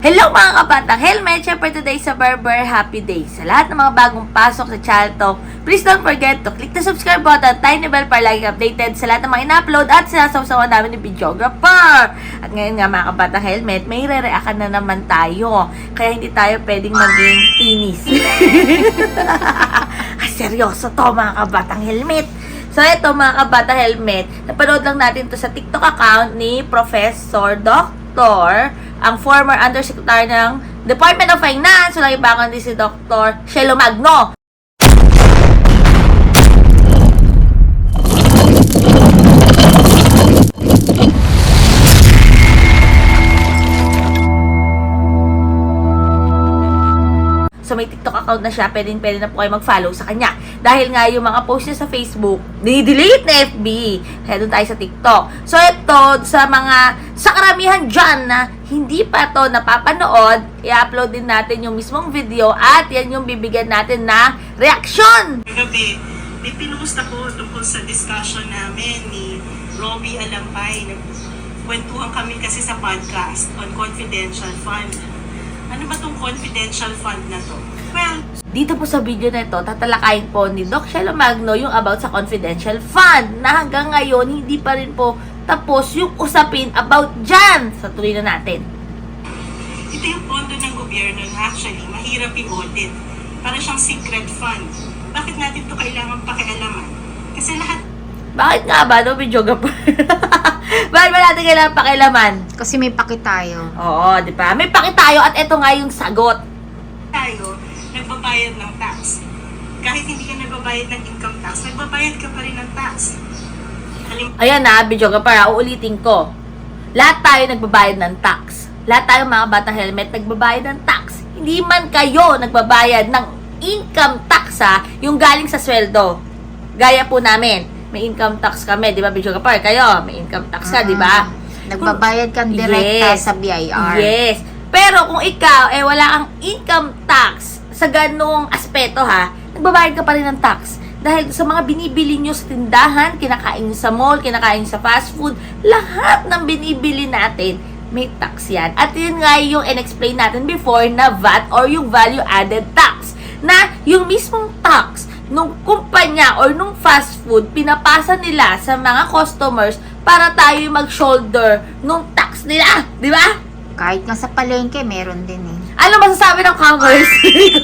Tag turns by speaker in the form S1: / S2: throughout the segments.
S1: Hello mga kabatang helmet! Siyempre today sa Barber Happy Day. Sa lahat ng mga bagong pasok sa channel to, please don't forget to click the subscribe button, tiny bell para lagi updated sa lahat ng mga in-upload at sinasawsawan namin ni videographer. At ngayon nga mga kabatang helmet, may re-react na naman tayo. Kaya hindi tayo pwedeng maging tinis. Seryoso to mga kabatang helmet. So ito mga kabatang helmet, napanood lang natin to sa TikTok account ni Professor Dr. ang former undersecretary ng Department of Finance, walang iba kundi si Dr. Shelo Magno. So may TikTok account na siya, pwede na po kayo mag-follow sa kanya. Dahil nga yung mga post niya sa Facebook, ni-delete na FB. Kaya doon tayo sa TikTok. So ito, sa karamihan dyan na hindi pa to napapanood, i-upload din natin yung mismong video at yan yung bibigyan natin na reaction.
S2: Kagabi, may pinost ako tungkol sa discussion namin ni Robbie Alampay. Nagkwentuhan kami kasi sa podcast on confidential fund. Ano ba tong confidential fund na to? Well,
S1: Dito po sa video na ito, tatalakayin po ni Doc Shelo Magno yung about sa confidential fund na hanggang ngayon hindi pa rin po tapos yung usapin about dyan. So tuloy na natin.
S2: ito yung pondo ng gobyerno na actually mahirap i-audit. Para siyang secret fund. Bakit natin to kailangan pakialaman? Kasi lahat
S1: Bakit nga ba, no, videographer? Bakit ba natin kailangan pakialaman?
S3: Kasi may paki tayo.
S1: Oo, di ba? May paki tayo at ito nga yung sagot.
S2: tayo nagbabayad ng tax. Kahit hindi ka nagbabayad ng income tax, nagbabayad ka pa rin ng tax.
S1: Ayan na, videographer, uulitin ko. Lahat tayo nagbabayad ng tax. Lahat tayo mga batang helmet nagbabayad ng tax. Hindi man kayo nagbabayad ng income tax yung galing sa sweldo. Gaya po namin, may income tax kami, di ba videographer? Kayo, may income tax ka, di ba?
S3: Nagbabayad kang direkta
S1: Yes.
S3: sa BIR.
S1: Yes. Pero kung ikaw, wala kang income tax sa ganong aspeto nagbabayad ka pa rin ng tax. Dahil sa mga binibili nyo sa tindahan, kinakain nyo sa mall, kinakain nyo sa fast food, lahat ng binibili natin, may tax yan. At yun nga yung in-explain natin before na VAT or yung value added tax. Na yung mismong tax nung kumpanya or nung fast food, pinapasa nila sa mga customers para tayo mag-shoulder nung tax nila. Di ba?
S3: Kahit nga sa palengke, meron din eh.
S1: Ano masasabi ng commerce?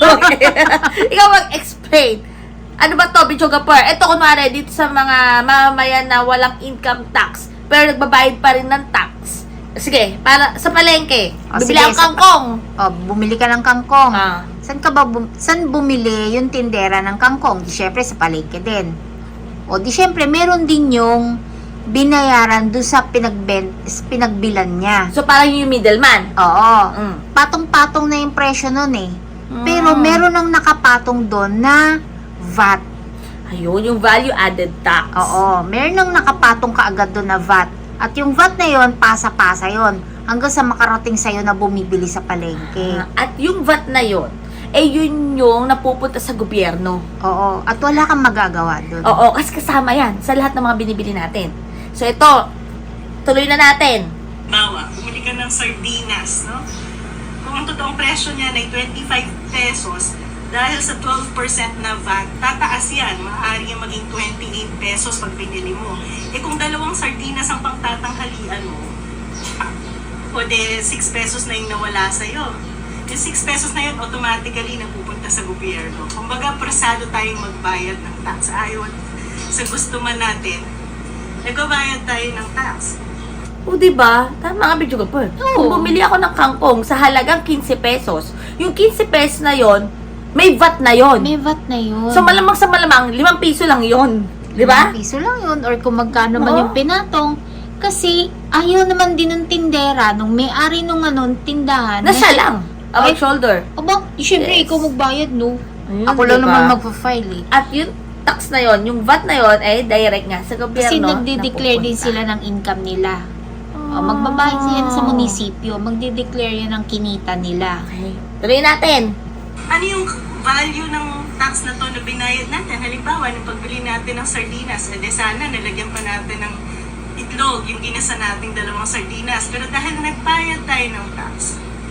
S1: Ikaw mag-explain. Ano ba to, videographer? Ito kunwari, dito sa mga mamamayan na walang income tax, pero nagbabayad pa rin ng tax. Sige, para sa palengke, bibili ang kangkong.
S3: Bumili ka ng kangkong.
S1: Ah.
S3: Saan bumili yung tindera ng kangkong? Di syempre sa palengke din. O di syempre, meron din yung binayaran doon sa pinagbilan niya.
S1: So, parang yung middleman.
S3: Oo.
S1: Mm.
S3: Patong-patong na yung presyo nun eh. Pero meron ang nakapatong doon na VAT.
S1: Ayun, yung value added tax.
S3: Oo. Meron ang nakapatong kaagad doon na VAT. At yung VAT na yon, pasa-pasa yon hanggang sa makarating sa'yo na bumibili sa palengke.
S1: At yung VAT na yon, yun yung napupunta sa gobyerno.
S3: Oo. At wala kang magagawa doon.
S1: Oo, kasi kasama yan sa lahat ng mga binibili natin. So, ito, tuloy na natin.
S2: Bawa, bumili ka ng sardinas, no? Kung ang totoong presyo niya ay 25 pesos, dahil sa 12% na VAT, tataas yan. Maaari yung maging 28 pesos pag binili mo. Kung dalawang sardinas ang pangtatanghalian mo, o de 6 pesos na yung nawala sa'yo. Yung 6 pesos na yun, automatically napupunta sa gobyerno. Kumbaga, prasado tayong magbayad ng tax. Ayaw sa gusto man natin, nagbabayad tayo ng tax.
S1: O, diba? Tama nga, videographer. Kung bumili ako ng kangkong sa halagang 15 pesos, yung 15 pesos na yon, may VAT na yon.
S3: May VAT na yun.
S1: So, malamang sa malamang, 5 piso lang yon. Diba?
S3: 5 piso lang yun. Or kung magkano man
S1: Oo.
S3: yung pinatong. Kasi, ayaw naman din ng tindera, nung may-ari nung tindahan.
S1: Na siya lang. About shoulder.
S3: Aba, syempre,
S1: Yes.
S3: ikaw magbayad, no?
S1: Ayun,
S3: Ako lang
S1: diba?
S3: naman magpa-file eh.
S1: At yung tax na yon, yung VAT na yon, direct nga sa gobyerno.
S3: Kasi nagde-declare din
S1: napupunta.
S3: sila ng income nila. Magbabayad sila sa munisipyo. Magde-declare yan ng kinita nila.
S1: Okay. Tuloy natin.
S2: Ano yung value ng tax na to na binayad natin? Halimbawa, nung pagbili natin ng sardinas, sana nalagyan pa natin ng itlog, yung ginasa nating dalawang sardinas. Pero dahil nagbayad tayo ng tax,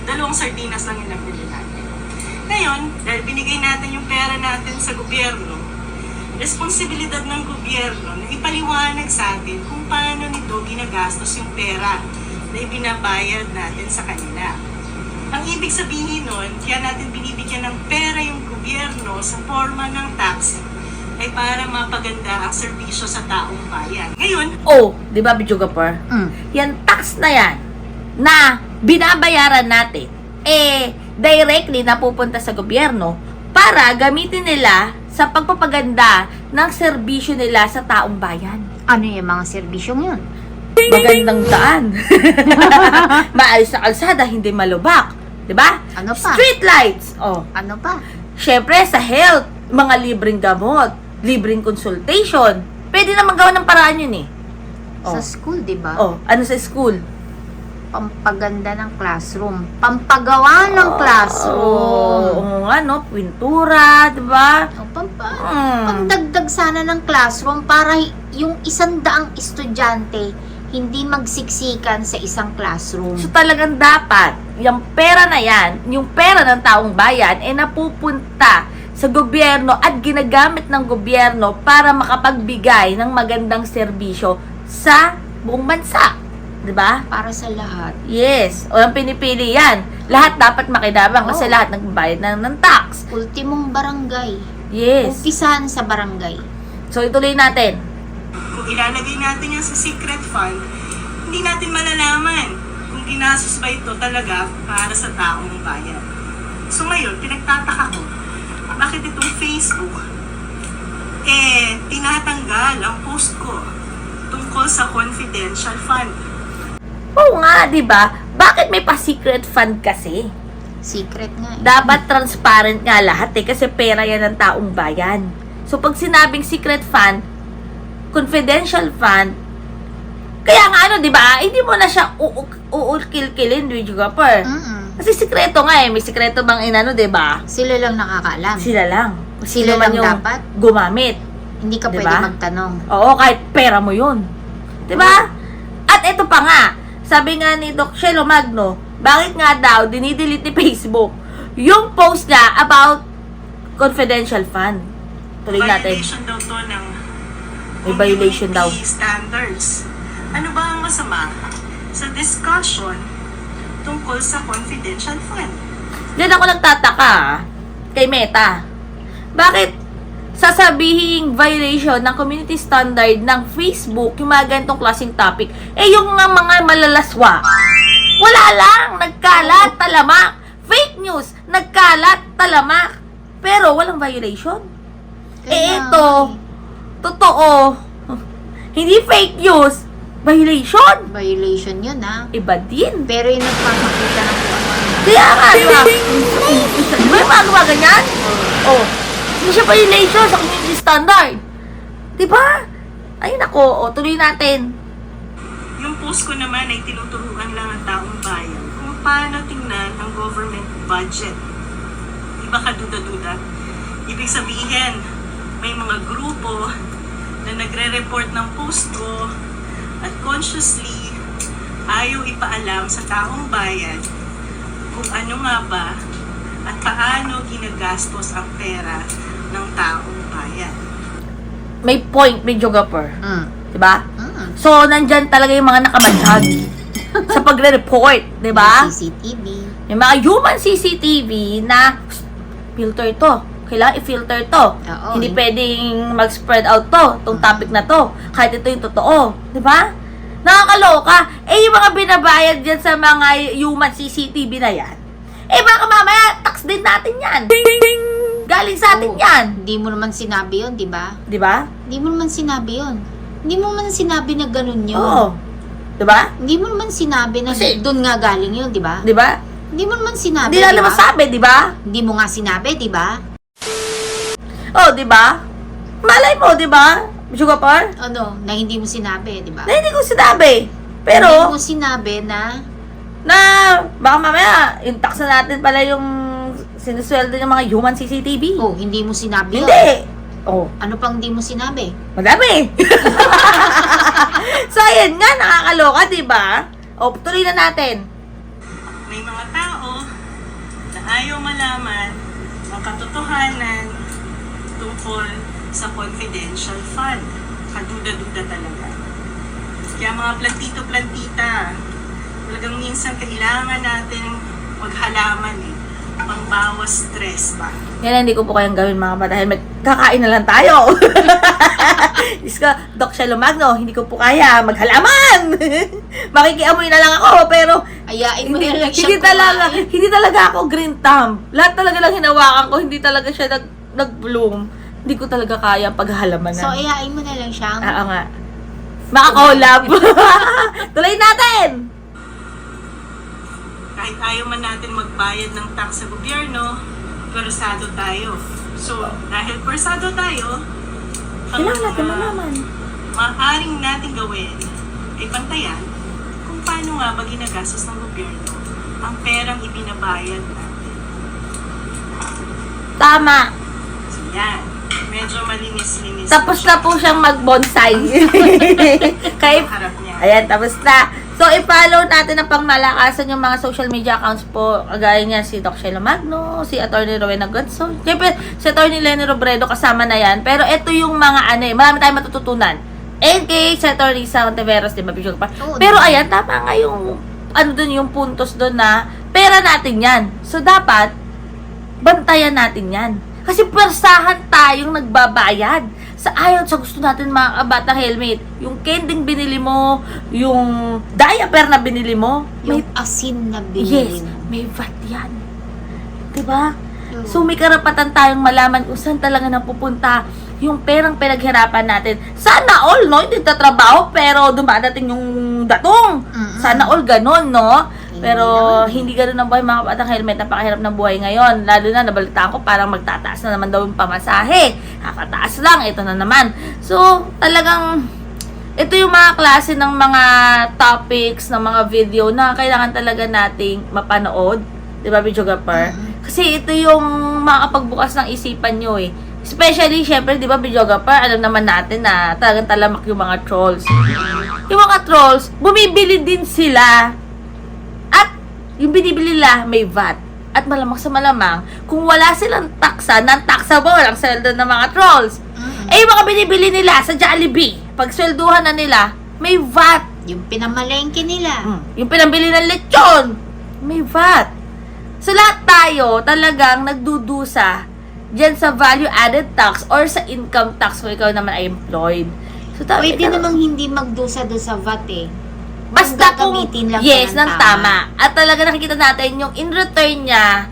S2: 2 sardinas lang yung nabili natin. Ngayon, dahil binigay natin yung pera natin sa gobyerno, responsibilidad ng gobyerno na ipaliwanag sa atin kung paano nito ginagastos yung pera na ibinabayad natin sa kanila. Ang ibig sabihin nun, kaya natin binibigyan ng pera yung gobyerno sa forma ng tax ay para mapaganda ang serbisyo sa taong bayan. Ngayon,
S1: Oh, di ba, Bijugapur? Yan tax na yan na binabayaran natin, directly napupunta sa gobyerno para gamitin nila sa pagpapaganda ng serbisyo nila sa taong bayan.
S3: Ano yung mga serbisyong yun?
S1: Magandang daan. Maayos na kalsada, hindi malubak. 'Di ba?
S3: Ano pa?
S1: Street lights. Oh.
S3: Ano pa?
S1: Syempre sa health, mga libreng gamot, libreng consultation. Pwede naman gawa ng paraan yun eh.
S3: Sa school, di ba?
S1: Oh, ano sa school?
S3: Pampaganda ng classroom. Pampagawa ng classroom.
S1: Oo, ano, pintura, 'di ba?
S3: Pangdagdag sana ng classroom para yung 100 estudyante hindi magsiksikan sa isang classroom.
S1: So talagang dapat, yung pera na yan, yung pera ng taong bayan, napupunta sa gobyerno at ginagamit ng gobyerno para makapagbigay ng magandang serbisyo sa buong bansa. 'Di ba?
S3: Para sa lahat.
S1: Yes. O ang pinipili yan. Lahat dapat makinabang kasi lahat nagbayad ng tax.
S3: Ultimong barangay.
S1: Yes.
S3: Umpisahan sa barangay.
S1: So ituloy natin.
S2: kung ilalagay natin yan sa secret fund, hindi natin malalaman kung ginastos ba ito talaga para sa taong bayan. So ngayon, pinagtataka ko, bakit itong Facebook, tinatanggal ang post ko tungkol sa confidential fund.
S1: Oo nga, di ba? Bakit may pa-secret fund kasi?
S3: Secret nga eh.
S1: Dapat transparent nga lahat kasi pera yan ng taong bayan. So pag sinabing secret fund, confidential fund, kaya nga ano, di ba? Hindi mo na siya uukil-kilin, Dijugapur. Kasi sikreto nga eh. May sikreto bang inano, di ba?
S3: Sila lang nakakaalam.
S1: Sila lang.
S3: Sila
S1: Sino man
S3: lang
S1: yung
S3: dapat.
S1: gumamit.
S3: Hindi ka
S1: Diba?
S3: pwede magtanong.
S1: Oo, kahit pera mo yun. Di ba? At ito pa nga, sabi nga ni Doc Shelo Magno, bakit nga daw dinidelete ni Facebook yung post niya about confidential fund? Tuloy natin.
S2: Violation daw to ng
S1: May violation daw.
S2: community standards. Ano ba ang masama sa discussion tungkol sa confidential fund?
S1: Diyan ako nagtataka kay Meta. Bakit sasabihing violation ng community standard ng Facebook yung mga ganitong klaseng topic? Yung mga malalaswa, wala lang, nagkalat, talamak. Fake news, nagkalat, talamak. Pero walang violation. Ito, totoo. Hindi fake news, violation.
S3: Violation yun ha.
S1: Iba din.
S3: Pero yung nagpapakita ng kung ano.
S1: Kaya nga, di ba? Di ba yung mga gawa ganyan? Oh. Hindi siya violation sa community standard. Di ba? Ayun ako, tuloy natin.
S2: Yung post ko naman ay tinuturuan lang ang taong bayan kung paano tingnan ang government budget. Di ba kaduda-duda? Ibig sabihin, may mga grupo na nagre-report ng post ko at consciously ayaw ipaalam sa taong bayan kung ano nga ba at paano ginagastos ang pera ng taong bayan.
S1: May point, may Jogapur. Diba? So, nandyan talaga yung mga nakabadyag sa pagre-report, diba?
S3: CCTV.
S1: Yung mga human CCTV na filter to. Kailangan i-filter to.
S3: Oo.
S1: Hindi pwedeng mag-spread out to, itong topic na to. Kahit ito yung totoo. Diba? Nakakaloka. Yung mga binabayad dyan sa mga human CCTV na yan, baka mamaya, tax din natin yan. Galing sa atin yan.
S3: Hindi mo naman sinabi yun, di ba?
S1: Diba?
S3: Hindi mo naman sinabi yun. Hindi mo naman sinabi na ganun yun.
S1: Oo. Diba?
S3: Hindi mo naman sinabi na
S1: Kasi-
S3: doon nga galing yun, di ba?
S1: Diba?
S3: Hindi mo naman sinabi,
S1: Hindi na
S3: di ba?
S1: naman sabi, diba?
S3: Hindi mo nga sinabi, di ba?
S1: Oh, diba? Malay mo, diba? Jugapur?
S3: Ano, na hindi mo sinabi, di ba?
S1: Na hindi ko sinabi.
S3: Hindi
S1: Pero,
S3: mo sinabi na
S1: baka mamaya, yung tax na natin pala yung sinusweldo ng mga human CCTV.
S3: hindi mo sinabi yun.
S1: Hindi. Oh,
S3: Ano pang hindi mo sinabi?
S1: madami. So, ayan nga, nakakaloka, diba? Oh, tuloy na natin.
S2: May mga tao ayaw malaman ang katotohanan tungkol sa confidential fund. Kaduda-duda talaga. Kaya mga plantito-plantita, talagang minsan kailangan natin maghalaman pangbawas stress ba?
S1: Yan, hindi ko po kayang gawin mga bata helmet. Kakain na lang tayo. Diyos ko, Doc Shelo Magno, hindi ko po kaya maghalaman. Makikiamoy na lang ako, pero
S3: Ayain mo
S1: hindi,
S3: na lang siya
S1: hindi talaga ako green thumb. Lahat talaga lang hinawakan ko, hindi talaga siya nag-bloom. Hindi ko talaga kaya paghalaman.
S3: So, ayain mo na lang siya.
S1: Oo nga. Makakolab. Tuloy natin!
S2: Kahit ayaw man natin magbayad ng tax sa gobyerno, persado tayo. So, dahil persado tayo, ang
S1: Kailangan natin malaman.
S2: maaaring natin gawin ay pantayan kung paano nga ba ginagastos ng gobyerno ang perang ibinabayad natin.
S1: Tama.
S2: So, yan. Medyo malinis-linis.
S1: Tapos na po siyang mag-bonsai. Kaya,
S2: Ang harap niya.
S1: ayan, tapos na. So, i-follow natin ang pangmalakasan yung mga social media accounts po. Kagaya niya si Doc Shelo Magno, si Atty. Rowena Godson. Siyempre, si Atty. Lenny Robredo kasama na yan. Pero ito yung mga marami tayong matututunan. And kay si Atty. Risa Ontiveros, di ba?
S3: Oo,
S1: Pero ayan, tama nga yung, yung puntos doon na pera natin yan. So, dapat, bantayan natin yan. Kasi persahan tayong nagbabayad. Sa ayon sa gusto natin mga kabata helmet. Yung kending binili mo, yung diaper na binili mo, may,
S3: Yung asin na binili
S1: yes,
S3: mo.
S1: may VAT yan. Diba?
S3: Oo.
S1: So may karapatan tayong malaman kung saan talaga napupunta yung perang pinaghirapan natin. Sana all, no? Hindi tatrabaho, pero dumadating yung datong.
S3: Mm-mm.
S1: Sana all ganon, no?
S3: Hindi
S1: Pero
S3: naman.
S1: hindi ganoon ang buhay mga kapatang helmet. Napakahirap ng buhay ngayon. Lalo na nabalitaan ko parang magtataas na naman daw yung pamasahe. Kakataas lang, ito na naman. So, talagang ito yung mga klase ng mga topics, ng mga video na kailangan talaga nating mapanood. Di ba, Videographer? Kasi ito yung makakapagbukas ng isipan nyo eh. Especially, syempre, di ba, Videographer, alam naman natin na talagang talamak yung mga trolls. Yung mga trolls, bumibili din sila. At yung binibili nila may VAT. At malamang sa malamang, kung wala silang taksa, non-taxable ang sweldo ng mga trolls. Eh, yung mga binibili nila sa Jollibee, pag swelduhan na nila, may VAT.
S3: Yung pinamalengke nila.
S1: Yung pinambili ng lechon, may VAT. So, lahat tayo talagang nagdudusa dyan sa value-added tax or sa income tax kung ikaw naman ay employed. So,
S3: Pwede namang hindi magdusa doon sa VAT eh.
S1: basta kung
S3: gagamitin lang
S1: yes,
S3: siya ng
S1: ng tama. At talaga nakikita natin yung in return niya,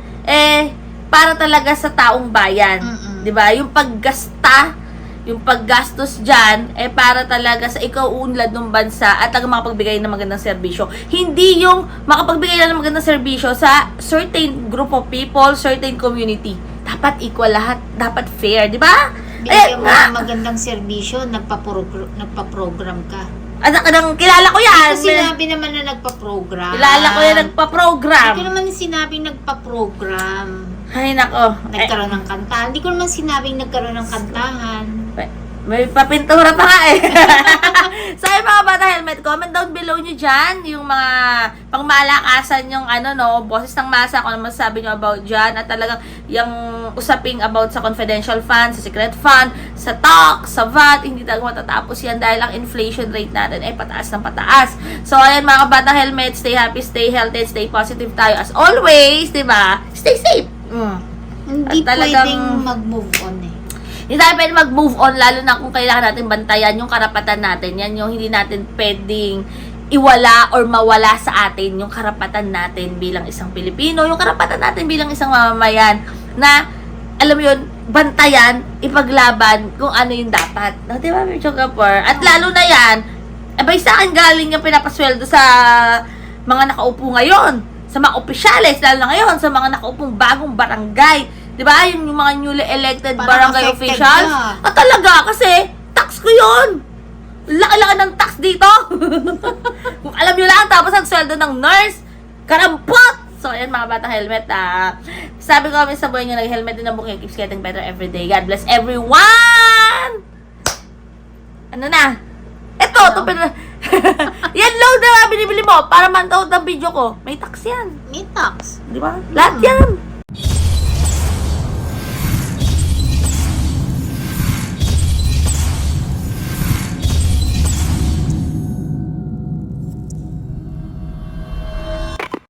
S1: para talaga sa taong bayan.
S3: Mm-mm.
S1: 'Di ba? Yung paggasta, yung paggastos dyan, para talaga sa ikaw unlad ng bansa at talaga makapagbigay ng magandang serbisyo. Hindi yung makapagbigay lang ng magandang serbisyo sa certain group of people, certain community. Dapat equal lahat. Dapat fair, di ba?
S3: Bigyan mo ng magandang serbisyo, nagpa-program ka.
S1: Anak, kilala ko yan.
S3: Kasi sinabi naman na nagpa-program.
S1: Kilala ko yan, nagpa-program.
S3: Hindi ko naman sinabing nagpa-program.
S1: Ay, nako.
S3: Nagkaroon ng kantahan. Hindi ko naman sinabing nagkaroon ng kantahan.
S1: May papintura pa nga eh. So, yung mga bata helmet, comment down below nyo dyan yung mga pangmalakasan yung boses ng masa, kung ano masasabi nyo about dyan, at talagang yung usaping about sa confidential fund, sa secret fund, sa tax, sa VAT, hindi talaga matatapos yan dahil ang inflation rate natin ay pataas ng pataas. So, ayan mga bata helmet, stay happy, stay healthy, stay positive tayo as always, diba? Stay safe!
S3: Hindi
S1: At talagang-
S3: pwedeng mag-move on eh.
S1: Hindi tayo pwede mag-move on, lalo na kung kailangan natin bantayan yung karapatan natin. Yan yung hindi natin pwedeng iwala or mawala sa atin yung karapatan natin bilang isang Pilipino, yung karapatan natin bilang isang mamamayan na, alam mo yun, bantayan, ipaglaban kung ano yung dapat. No, di ba, Mr. Kapor? At lalo na yan, abay sa akin galing yung pinapasweldo sa mga nakaupo ngayon, sa mga opisyales, lalo na ngayon, sa mga nakaupong bagong barangay. Diba? Yung mga newly elected
S3: Parang
S1: barangay
S3: affected
S1: officials.
S3: ka.
S1: Talaga, kasi tax ko yun. Laki-laki ng tax dito. Kung alam nyo lang, tapos ang sweldo ng nurse, karampot! So, ayan mga batang helmet. Sabi ko kami sa buhay nyo, nag-helmet din ang bukay. Keeps getting better every day. God bless everyone! Ano na? Ito, yan load na binibili mo para man-load ang video ko. May tax yan.
S3: May tax.
S1: Di ba? Lahat yan.